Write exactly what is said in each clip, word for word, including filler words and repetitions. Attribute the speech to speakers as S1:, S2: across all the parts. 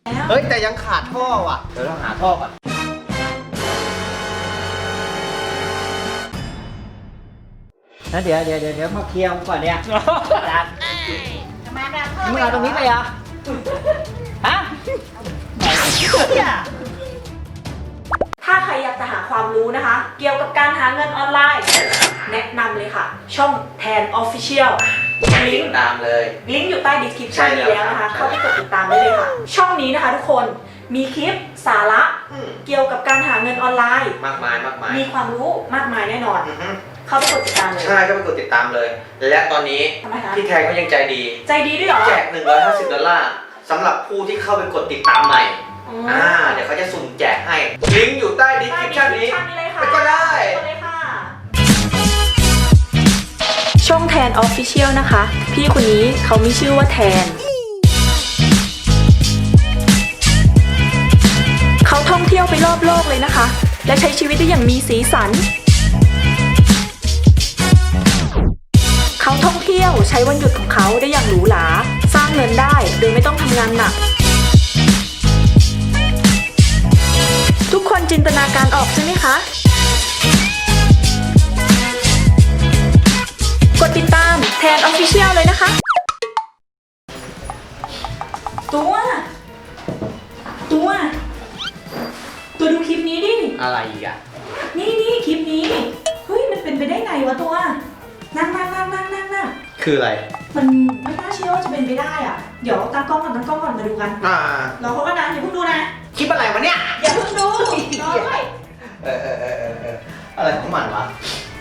S1: เฮ้ยแต่ยังขาดท่อว่ะเดี๋ยวเราหาท่อก่อนนะเดี๋ยวเดี๋ยวเดี๋ยวมาเคลียร์ก่อนเนี่ย
S2: ทำไมแบบเพิ่ม
S1: มึงเอาตรงนี้ไปอ่ะฮะ
S2: ถ้าใครอยากจะหาความรู้นะคะ เกี่ยวกับการหาเงินออนไลน์ แนะนำเลยค่ะ ช่องแทน Official ลิงก์
S1: ตามเลย
S2: ลิงก์อยู่ใต้ description นี้แล้วนะคะ เข้าไปกดติดตามได้เลยค่ะ ช่องนี้นะคะทุกคนมีคลิปสาระเกี่ยวกับการหาเงินออนไลน์
S1: มากมายมากมาย
S2: มีความรู้มากมายแน่นอนเข้าไปกดติดตามเลย
S1: ใช่ก็ไปกดติดตามเลยและตอนนี้
S2: ทำไมคะ
S1: พี่แทนก็ยังใจดี
S2: ใจดีด้วยเหรอ
S1: แจกหนึ่งร้อยห้าสิบดอลลาร์สำหรับผู้ที่เข้าไปกดติดตามใหม่อ่าเดี๋ยวเขาจะสุ่มแจกให้ลิงก์อยู่ใต้ดีสคริปชั่นนี้ไปก็ได้
S2: ช่องแทน Official นะคะ พี่คนนี้เขามีชื่อว่าแทน เขาท่องเที่ยวไปรอบโลกเลยนะคะ และใช้ชีวิตได้อย่างมีสีสัน เขาท่องเที่ยวใช้วันหยุดของเขาได้อย่างหรูหราสร้างเงินได้โดยไม่ต้องทำงานหนัก ทุกคนจินตนาการออกใช่ไหมคะ กดติดตามแทน Official เลยนะคะ ตัว ตัว ตัวดูคลิปนี้ดิ
S1: อะไรอีกอ่ะ
S2: นี่นี่คลิปนี้ เฮ้ยมันเป็นไปได้ไงวะตัว นั่งนั่งนั่งนั่งนั่งนั่ง
S1: คืออะไร
S2: มันไม่น่าเชื่อว่าจะเป็นไปได้อ่ะ เดี๋ยวตั้งกล้องก่อนตั้งกล้องก่อนมาดูกัน
S1: อ่า
S2: เราเขาก็นะอย่าเพิ่งดูนะ
S1: คลิปอะไรวะเนี่ย
S2: อย่าเพิ่งดูรอด้วย
S1: เออเออเออเออเอออะไรของมันวะ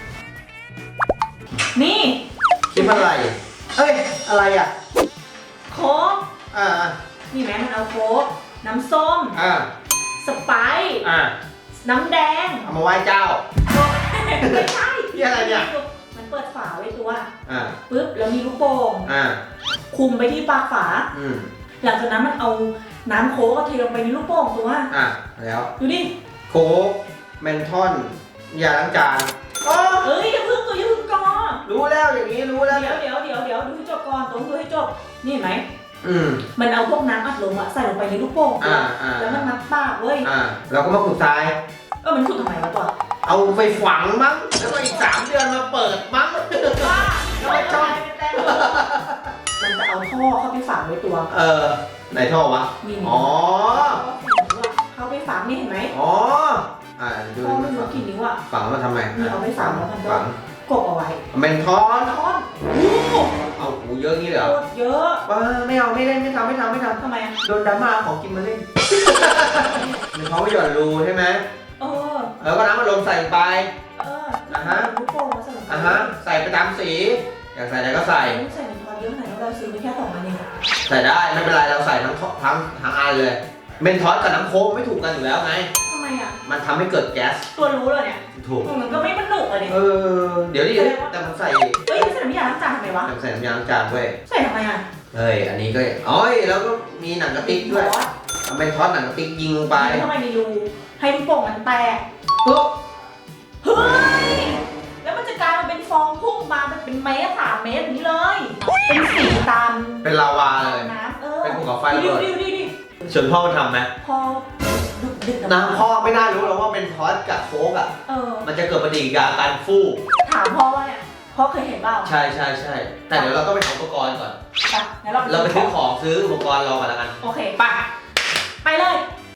S2: นี่
S1: คลิปอะไรเฮ้ยอะไรอ่ะ
S2: โค้ก
S1: อ่า
S2: นี่แม่มันเอาโค้กน้ำส้ม
S1: อ่า
S2: สไปซ์
S1: อ่า
S2: น้ำแดง
S1: เอามาไหว้เจ้า
S2: ไม่ใช่
S1: นี่อะไรเนี่ย
S2: มันเปิดฝาไว้ตัว
S1: อ่า
S2: ปึ๊บแล้วมีลูกโป่ง
S1: อ่า
S2: คุมไปที่ปากฝา
S1: อืม
S2: หลังจากนั้นมันเอาน้ำโค้กก็เทลงไปในลูกโป่งตัว
S1: อ่าแล้ว
S2: ดูดิ
S1: โค้กเมนทอนยาล้างจานอ๋อ
S2: เอ้ยอย่าเพิ่งตัวอย่าเพิ่งก่อน
S1: รู้แล้วอย่างนี้รู้แล้ว
S2: เดี๋ยวเดี๋ยวเดี๋ยวเดี๋ยวดูให้จบก่อนตัวดูให้จบนี่เห็นไหม
S1: อืม
S2: มันเอาพวกน้ำอัดลมอะใส่ลงไปในลูกโป่งตัว
S1: อ่าอ่า
S2: แล้วมันมัดปากเว้ย
S1: อ่าเราก็มาขุดทราย
S2: เออมันขุดทำไมวะตัว
S1: เอาไปฝังมั้งแล้วก็อีกสามเดือนมาเปิดมั้ง
S2: บ้า
S1: แล้วก็ช่อง
S2: มันจะเอาท่อเข้าไปฝังไว้ตัว
S1: เออไหนท่อวะ
S2: นี่
S1: อ๋อ
S2: เข้าไปฝังนี่เห็นไหม
S1: อ๋ออ่าดู
S2: ท่อ
S1: ดิ
S2: ไม่
S1: มัน
S2: รู้
S1: ฝัง
S2: กี่นิ้วอะ
S1: ฝังมาทำไม
S2: นี่เอาไปฝังแล้วมันก็
S1: ฝัง
S2: กบเอาไว้
S1: เมนทอน
S2: ท่อน
S1: เอาหูเยอะงี้เลยเหร
S2: โค
S1: อ
S2: ตรเยอะ
S1: ว้าไม่เอาไม่เล่นไม่ทำไม่ทำไม่ทำ
S2: ทำไมอะ
S1: โดนดราม่าของกินมาเล่น มันเขาไม่หย่อนรูใช่ไหม
S2: เออ
S1: แล้วก็น้ำมันลมใส่ไป
S2: เออ
S1: อ่าฮะ
S2: ลูกโป่งมาใส่ลงไป
S1: อ่ะฮะใส่ไปตามสีอยากใส่อะไรก็ใส่
S2: ใส่เป็นทอนเยอะขนาดนั้นเราซื้อไปแค่สองอันเอง
S1: ใส่ได้ไม่เป็นไรเราใส่ทั้งท่อทั้งทั้งอันเลยเมนทอสกับน้ำโค้กไม่ถูกกันอยู่แล้วไง
S2: ทำไมอะ
S1: มันทำให้เกิดแก๊ส
S2: ตัวรู้เลยเนี่ย
S1: ถูก
S2: มันก็ไม่มันหนุกอะเนี่ย
S1: เออเดี๋ยวดิแต่มันใส่
S2: เฮ้ยไม่ใส่น้ำยาล้างจานทำไมวะ
S1: แต่มันใส่น้ำยาล้างจานด้วย
S2: ใส่ทำไมอะ
S1: เฮ้ยอันนี้ก็อ๋อยแล้วก็มีหนังกระติกด้วยเอาเมนทอสหนังกระติกยิงลงไป
S2: ทำไมมีรูให้ลูกโป่งมันแตก
S1: ปุ๊บ
S2: เฮ้ยแล้วมันจะกลายมาเป็นฟองพุ่งมาเป็นเมตรสามเมตรอย่างนี้เลย เป็นสีตาม
S1: เป็นลาวาเลย
S2: น้ำเออ
S1: เป็นภูเขาไฟระ
S2: ดิ
S1: เบิด
S2: ดิดิดิ
S1: ส่วนพ่อมันทำไหม
S2: พอดึกดึก
S1: น้ำพ่อไม่น่ารู้หรอกว่าเป็นทอสกับโค้กอ่ะ
S2: เออ
S1: มันจะเกิดปฏิกิริยาการฟู่
S2: ถามพ่อว่าเนี่ยพ่อเคยเห็นเปล่า
S1: ใช่ใช่ใช่แต่เดี๋ยวเราต้องไปหาอุปกรณ์ก่อน
S2: ไปงั้นเรา
S1: เราไปซื้อของซื้ออุปกรณ์รอก่อนแล้วกัน
S2: โอเคไปไปเลย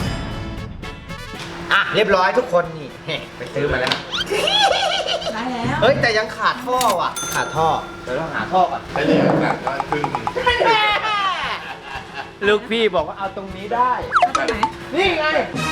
S1: อ่ะเรียบร้อยทุกคนนี่ ไปซื้อมาแล้ว
S2: ได้แล้ว
S1: เฮ้ยแต่ยังขาดท่อว่ะ ขาดท่อเดี๋ยวเราหาท่อก่อน
S3: ถ้าอย่างนั้นแบบว่าครึ่ง
S1: ลูกพี่บอกว่าเอาตรงนี้ได้
S2: เอาตรงไหน
S1: นี่ไง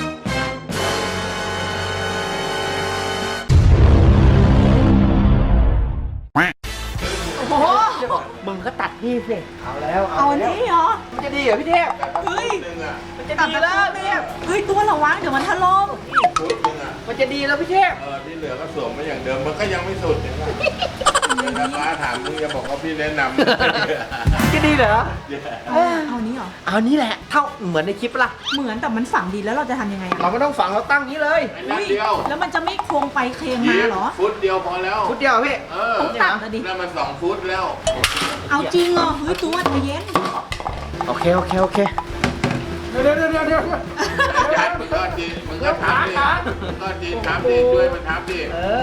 S1: โอ้โหมึงก็ตัดที่สิเอาแล้ว
S2: เอาอันนี้เหรอ
S1: มันจะดีเหรอพี่เทพ
S2: เฮ้ย
S3: นึงอ่ะ
S1: มันจะดีแล้วพี่เทพ
S2: เฮ้ยตัวระวังเดี๋ยวมันถล่ม
S3: ฟุตนึงอ่ะ
S1: มันจะดีแล้วพี่เทพ
S3: เออที่เหลือก็สวมมาอย่างเดิมมันก็ยังไม่สุดเห็นไหมถ้าป้าถามมึงจะบอกว่าพี่แนะนำ
S1: จะดีเหรอ
S2: เอานี้เหรอ
S1: เอานี่แหละเท่าเหมือนในคลิปละ
S2: เหมือนแต่มันฝังดีแล้วเราจะทำยังไงอะ
S1: เราไม่ต้องฝังเราตั้งนี้เลย
S3: ไอ้นัดเดียว
S2: แล้วมันจะไม่โค้งไปเคลงมาเหรอ
S3: ฟุตเดียวพอแล้ว
S1: ฟุตเดียวพี่
S3: เออ
S2: ต้องตัดนะดิ
S3: นั่นมันสองฟุตแล้ว
S2: เอาจริงเหรอเฮ้ยตัวใจเย็น
S1: โอเคโอเคโอเค
S3: เดี๋ยวเดี๋ยวเดี๋ยวเดี๋ยวยัดมึงก็จีนมึงก็ทำดิมึงก็จีนทำดิช่วยมันทำดิ
S1: เออ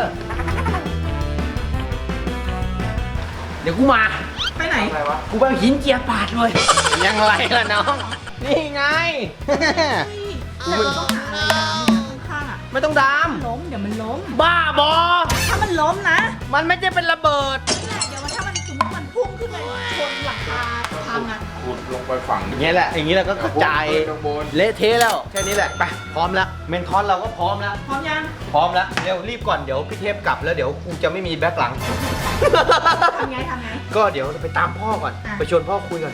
S1: เดี๋ยวกูมา
S2: ไปไหน
S1: อะไรวะ กูไปเอาหินเจียปาดเลย ยังไรล่ะน้อง นี่ไง
S2: แต่เราต้องหาอะไรดามข้างๆอ่ะ
S1: ไม่ต้องดาม
S2: ล้มเดี๋ยวมันล้ม
S1: บ้าบอ
S2: ถ้ามันล้มนะ
S1: มันไม่ใช่เป็นระเบิด
S2: นี่แหละเดี๋ยวมันถ้ามันสมมติมันพุ่งขึ้นไปชนหลังคาพังอ่ะ
S3: ขุดลงไปฝั่ง
S1: อย่างเงี้ยแหละ อย่างงี้เราก็กระจาย
S3: ข้างบน
S1: เละเทะแล้ว แค่นี้แหละ ไป พร้อมแล้ว เมนทอนเราก็พร้อมแล้ว
S2: พร้อมยัง
S1: พร้อมแล้ว เร็วรีบก่อน เดี๋ยวพี่เทพกลับแล้วเดี๋ยวกูจะไม่มีแบ็คหลัง
S2: ทำไงทำไง
S1: ก็เดี๋ยวไปตามพ่อก่อน
S2: อ่ะ
S1: ไปชวนพ่อคุยก่อน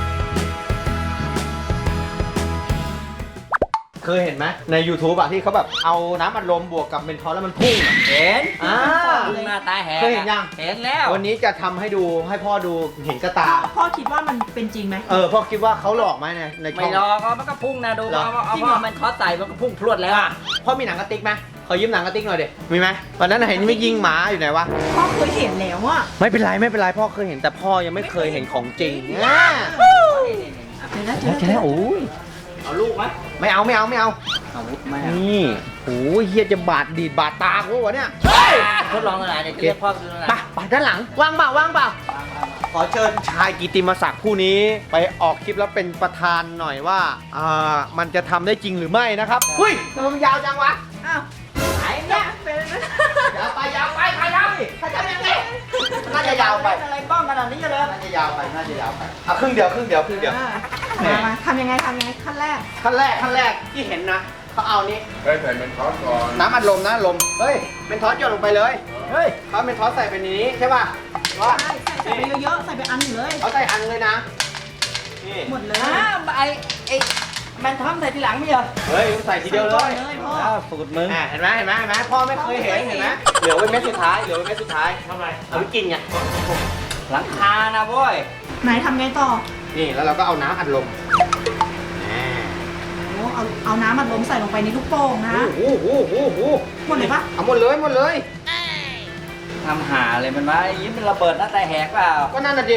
S1: เคยเห็นไหมใน YouTube อะที่เขาแบบเอาน้ำอัดลมบวกกับเมนทอลแล้วมันพุ่งอะ
S4: เห็น
S1: อ่า
S4: ลุงหน้าตาแหก
S1: เคยเห็นยัง
S4: เห็นแล้ว
S1: วันนี้จะทำให้ดูให้พ่อดูเห็นกระตา
S2: พ่อพ่อคิดว่ามันเป็นจริงไหม
S1: เออพ่อคิดว่าเขาหลอกไหมในในช่
S4: ไม่
S1: อง
S4: รอก็มันก็พุ่งนะดู
S1: เหรอ
S4: เอาเอา
S2: จริงเหรอ
S4: เอามันคอสใส่มันก็พุ่งพรวดแล้ว
S1: อ่ะพ่อมีหนังกระติกไหมขอยืมหนังกระติกหน่อยดิมีไหมวันนั้นเห็นไม่ยิงหมาอยู่ไหนวะ
S2: พ่อเคยเห็นแล้วอ่ะ
S1: ไม่เป็นไรไม่เป็นไรพ่อเคยเห็นแต่พ่อยังไม่เคยเห็นของจริงอ่ะ
S2: เดี๋ยวนะ
S1: แล้วแค่โอ้ย
S4: เอาลูกไหม
S1: ไม่เอาไม่เอาไม่เอา
S4: อาวุธไหมอะ
S1: นี่โอ้ยเฮียจะบาดดีดบาดตากูวะเนี่ย
S4: ทดลองอะไรเดี๋ยวจะเรียกพ่อดูอะไร
S1: ไปไปด้านหลังว่างเปล่าว่างเปล่าขอเชิญชายกิตติมศักดิ์ผู้นี้ไปออกคลิปแล้วเป็นประธานหน่อยว่าอ่ามันจะทำได้จริงหรือไม่นะครับหุ้ยทำไมมันยาวจังวะ
S2: อ้าวไหนเนี่ยเป็น
S1: ยาวไปยาวไปใครทำใครทำยังไงน่าจะยาวไป
S4: อะไรบ้องขนาดนี้เลย
S1: น่าจะยาวไปน่าจะยาวไปเอาครึ่งเดียวครึ่งเดียวครึ่งเดียว
S2: มามาทำยังไงทำยังไงขั้นแรก
S1: ขั้นแรกขั้นแรกที่เห็นนะเขาเอานี้
S3: เฮ้ยใส่เป็นคอสก่อน
S1: น้ำอัดลมนะลมเฮ้ยเป็นทอสหยดลงไปเลยเฮ้ยเขาเป็นทอสใส่ไปในนี้ใช่ป่ะว่า
S2: ใช่ใส่ใส่ไปเยอะๆใส่ไปอันหนึ่งเลย
S1: เขาใส่อันเลยนะนี่
S2: หมดเลย
S4: อ้าวไอ้ไอ้แมนทอมใส่ทีหลังไม่เหรอ
S1: เฮ้ยใส่ทีเดียวเลย
S2: เลยพ่อ
S4: อ้าวสูตรมึง
S1: อ่าเห็นไหมเห็นไหมเห็นไหมพ่อไม่เคยเห็นเห็นไหมเหลือไว้เม็ดสุดท้ายเหลือไว้เม็ดสุดท้ายทำไมเอาไปกินไง
S4: หลังคานะโว้ย
S2: ไหนทำไงต่อ
S1: นี่แล้วเราก็เอาน้ำอัดลม
S2: โอ้เอาเอาน้ำมันล้มใส่ลงไปในลูกโป่งนะ
S1: โอ้โหโอ้โหโอ้โห
S2: หมดเลยปะ
S1: เอาหมดเลยหมดเลย
S4: ทำหาอะไรมันวะไอ้ยิ้มเป็นระเบิดหน้าตาแหกเปล่า
S1: ก็นั่นน่ะดิ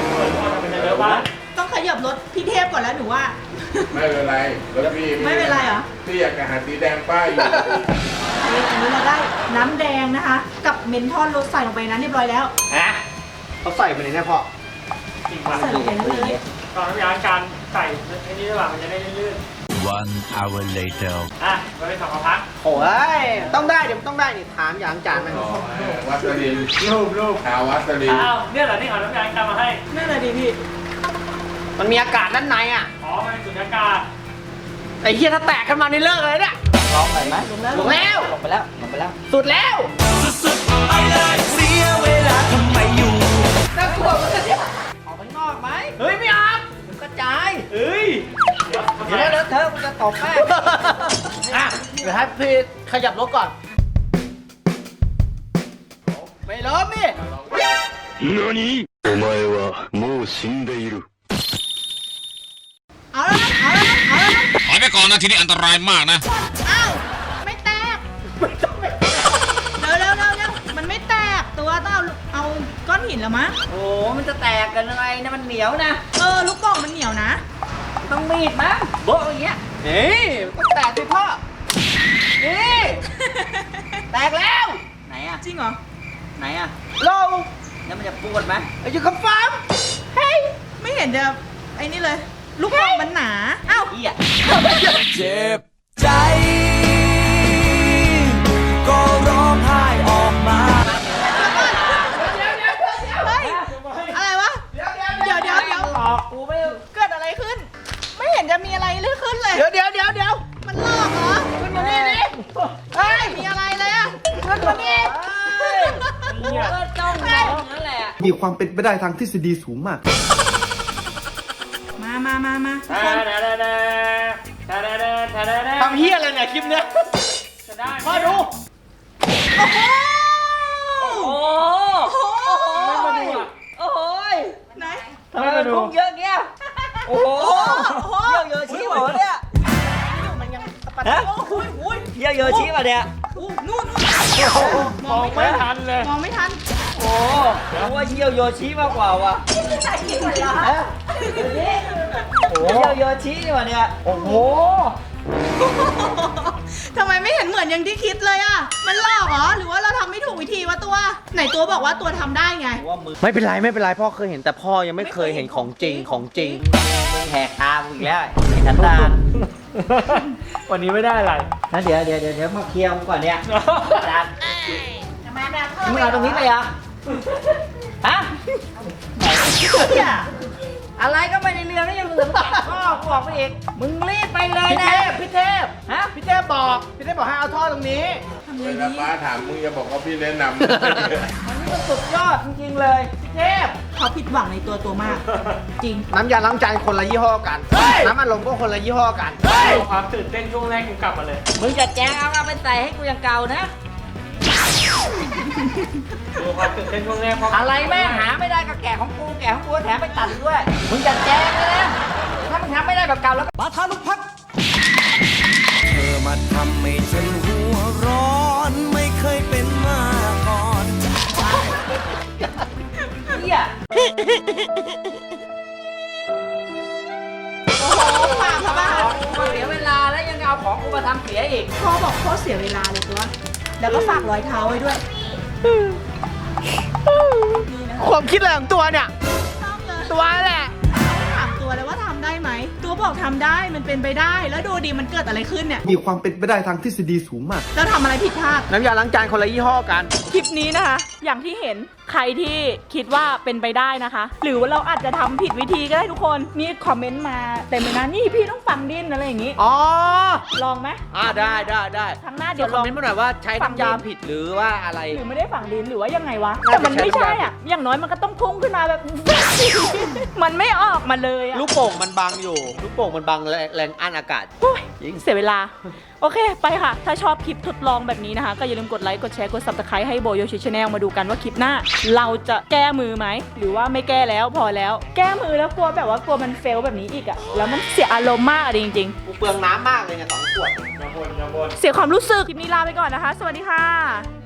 S2: ต้องขยับรถพี่เทพก่อนแล้วหนูว่า
S3: ไม่เป็นไรแล้วพี่
S2: ไม่เป็นไรเหรอ
S3: พี่อยากจะหาสีแดงป้ายอยู่
S2: อันนี้อันนี้เราได้น้ำแดงนะคะ กับเมนทอลรสใส่ลงไปนั้นเรียบร้อยแล้ว
S1: ฮะเขาใส่ไปในนี้พ่อ
S2: ใส่ลงไปนั้นเลย
S5: ตอนน้ำยาการใส่ไอ้นี่ระหว่างมันจะได้ลื่น
S6: One hour later.
S5: ๆอ่ะมันเป็นสองกระพัก
S1: โอ้ยต้องได้เดี๋ยวมันต้องได้นี่ถามอย่างจานมัน
S3: อ๋อวัสลิน
S5: รูปรูป
S3: ทาวัสลิน
S5: อ้าวเนี่ยเหรอที่เอาน้ำยาการมาให้
S2: นั่นเลยดิพี่
S1: มันมีอากาศด้านในอ่ะ
S5: อ๋อมันเป็นสุญญากาศ
S1: ไอ้เหี้ยถ้าแตกขึ้นมานี่เลิกเลยเนี่ย
S4: ลองไปไหม
S2: ลงแล้ว
S1: ลงแล้ว
S4: ลงไปแล้วลงไปแล้ว
S1: สุดแล้ว น่ากลัวเลยเนี่ย
S4: ออกไปนอกไหม
S1: เฮ้ยไม่ออก
S4: มันกระจาย
S1: เฮ้ย
S4: เดี๋ยวเลอะเทอะมันจะตกแม่
S1: อ่ะเดี๋ยวให้พี่ขยับรถก่อน ไม่ล้มนี่
S6: 何お前はもう死んでいる。
S2: เอาแล้วนะเอาแล้วนะเอาแล้วนะ
S7: ถอยไปก่อนนะทีนี้อันตรายมากนะ
S2: อ้าวไม่แตกเร็วเร็วเร็วเร็วมันไม่แตกตัวต้องเอาเอาก้อนหินแล้วมะ
S4: โอ้มันจะแตกกันยังไงนะมันเหนียวนะ
S2: เออลูกโป่งมันเหนียวนะ
S4: ต้องมีดมั้งโบ๊ะอย่างเงี้ย
S1: นี่ก็แตกสิพ่อ นี่ แตกแล้ว
S4: ไหนอะ
S2: จริงเหรอ
S4: ไหนอะ
S1: โล
S4: แล้วมันจะปวดไหม
S1: อายุคำฟาร์ม
S2: เฮ้ยไม่เห็นจะไอ้นี่เลย ลูกโป่งมันหนาเอ้า
S4: เหี้ย
S8: เจ็บใจ ก็ร้องไห้ออกมา
S2: เฮ้ยอะไรวะเดี๋ยวเดี๋ยวเดี๋ยวเดี๋ยว
S4: หลอกกูไม่
S2: เกิดอะไรขึ้น ไม่เห็นจะมีอะไรเลยขึ้นเลย
S1: เดี๋ยวเดี๋ยวเดี๋ยวเดี๋ยว
S2: มันลอกเหรอขึ้นมานี่ดิเฮ้ยมีอะไรเลยอะขึ้นมานี่
S4: กูก็จ้องมองนั่นแหละ
S9: มีความเป็นไปได้ทางทฤษฎีสูงมาก
S2: มามามามาทุก
S5: ทา
S2: คน
S5: ดาดาดาทาดาดาทาดาดา
S1: ทำเฮี้ยอะไรเนี่ยคลิปเนี้ย
S5: จะได้ไหม
S1: พ่อดู
S2: โอ้โห
S4: โอ้โห
S2: โอ้โห
S5: ไม่มาดูอ่ะ
S4: โอ้โห
S2: ไหน
S4: ทำไมมันพุ่งเยอะเงี้ย โอ้โห
S2: โอ้โห
S4: เยี่ยวเยอะชี้เหรอเนี่ย
S2: มันยังตะปัด
S4: ฮะ
S2: โอ้โหอุ้ย
S4: เยี่ยวเยอะชี้ป่ะเนี่ย
S2: อู้นู่นนู่น
S5: มองไม่ทันเลย
S2: มองไม่ทัน
S4: โอ้ผมว่าเยี่ยวโยชิมากกว่าว่ะ
S2: ใส่กินหมดแล้ว
S4: โอ้เที่ยวโยชินี่หว่าเนี่ย
S5: โอ้โห
S2: ทำไมไม่เห็นเหมือนอย่างที่คิดเลยอ่ะ มันหลอกเหรอ หรือว่าเราทำไม่ถูกวิธีวะตัว ไหนตัวบอกว่าตัวทำได้ไง
S4: ว่ามือ
S1: ไม่เป็นไรไม่เป็นไรพ่อเคยเห็นแต่พ่อยังไม่เคยเห็นของจริงของจริง
S4: มึงแหกตามึงอีกแล้วไอ้สันดาน
S5: วันนี้ไม่ได้อะไร
S4: นะเดี๋ยวเดี๋ยวเดี๋ยวเดี๋ยวมาเคลียร์มึงก่อนเนี่ยสันดาน
S2: ทำไมแบบ
S4: มึงเอาตรงนี้ไปเหรอฮะเนี่ยอะไรก็ไม่ได้เรื่องนี่ยังเหลือพ่อกูบอกไปอีกมึงรีบไปเลย
S1: พี่
S4: นะ
S1: เทพพี่เทพ
S4: ฮะ
S1: พี่เทพบอกพี่เทพบอกให้เอาท่อตรงนี้
S3: เวลาป้าถามมึงจะบอกว่าพี่แนะนำ
S4: มันนี่มันสุดยอดจริงๆเลยพี่เทพ
S2: เขาผิดหวังในตัวตัวมาก จริง
S1: น้ำยาล้างจานคนละยี่ห้อกัน น้ำอัดลมก็คนละยี่ห้อกัน
S5: ดูความตื่นเต้นช่วงแรกกูกลับมาเลย
S4: มึงจะแจ้งเอาเอาไปใส่ให้กูอย่างเก่านะ
S5: ดูความตื่นเต้นช่วงแรกเพราะ
S4: อะไรแม่งหาไม่ได้ก็แกะของกูแกะของกูแถมไปตัดอีกด้วย มึงจะแจ้งเลยนะถ้ามึงทำไม่ได้แบบเก่าแล้วก็
S8: ปาทาลุกพัก เธอมาทำให้ฉันหัวร้อนไม่เคยเป็นมาก่อน
S4: เหี้ย
S2: โอ้โหปากเขาบ้า
S4: กูเสียเวลาแล้วยังเอาของกูมาทำเสียอีก
S2: พ่อบอกพ่อเสียเวลาเลยตัว แล้วก็ฝากรอยเท้าไว้ด้วย นี่นะคะ
S1: ความคิดอะไรของตัวเนี่ย
S2: ต้องเลย
S1: ตัวแหละ
S2: ถามตัวเลยว่าทำได้ไหม ตัวบอกทำได้ มันเป็นไปได้ แล้วดูดิมันเกิดอะไรขึ้นเนี่ย
S9: มีความเป็นไปได้ทางทฤษฎีสูงมาก
S2: เราทำอะไรผิดพลาด
S1: น้ำยาล้างจานคนละยี่ห้อกัน
S2: คลิปนี้นะคะ อย่างที่เห็นใครที่คิดว่าเป็นไปได้นะคะ หรือว่าเราอาจจะทำผิดวิธีก็ได้ทุกคน นี่คอมเมนต์มาเต็มเลยนะ นี่พี่ต้องฝังดินอะไรอย่างนี้
S1: อ๋อ
S2: ลองไหม
S1: อ่าได้ได้ได้
S2: ครั้งหน้า
S1: เดี๋
S2: เดี๋
S1: ย
S2: ยว ว
S1: คอ
S2: ล
S1: ม
S2: อง
S1: เมนต์มาหน่อยว่าใช้น้ำยาผิดหรือว่าอะไร
S2: หรือไม่ได้ฝังดินหรือว่ายังไงวะ
S1: น่า
S2: แต่
S1: จะ
S2: มันไม่
S1: ใช้
S2: ใช่
S1: น้ำยา
S2: อ่ะ อย่างน้อยมันก็ต้องพุ่งขึ้นมาแบบ มันไม่ออกมาเลยอ่ะ
S1: ลูกโป่งมันบังอยู่ ลูกโป่งมันบังแรงแรงอั้นอากาศ
S2: โอ้ยเสียเวลา โอเค ไปค่ะ ถ้าชอบคลิปทดลองแบบนี้นะคะ ก็อย่าลืมกดไลค์ กดแชร์ กด ซับสไครบ์ ให้โบโยชิชาแนลมาดูกันว่าคลิปหน้า เราจะแก้มือไหม หรือว่าไม่แก้แล้วพอแล้ว แก้มือแล้วกลัวแบบว่ากลัวมันเฟลแบบนี้อีกอะแล้วมันเสียอารมณ์มากอะจริง
S1: กูเปลืองน้ำมากเลยเนี่ยสองขวด
S5: อย่าบ่นอย่าบ่น
S2: ๆ เสียความรู้สึก คลิปนี้ลาไปก่อนนะคะ สวัสดีค่ะ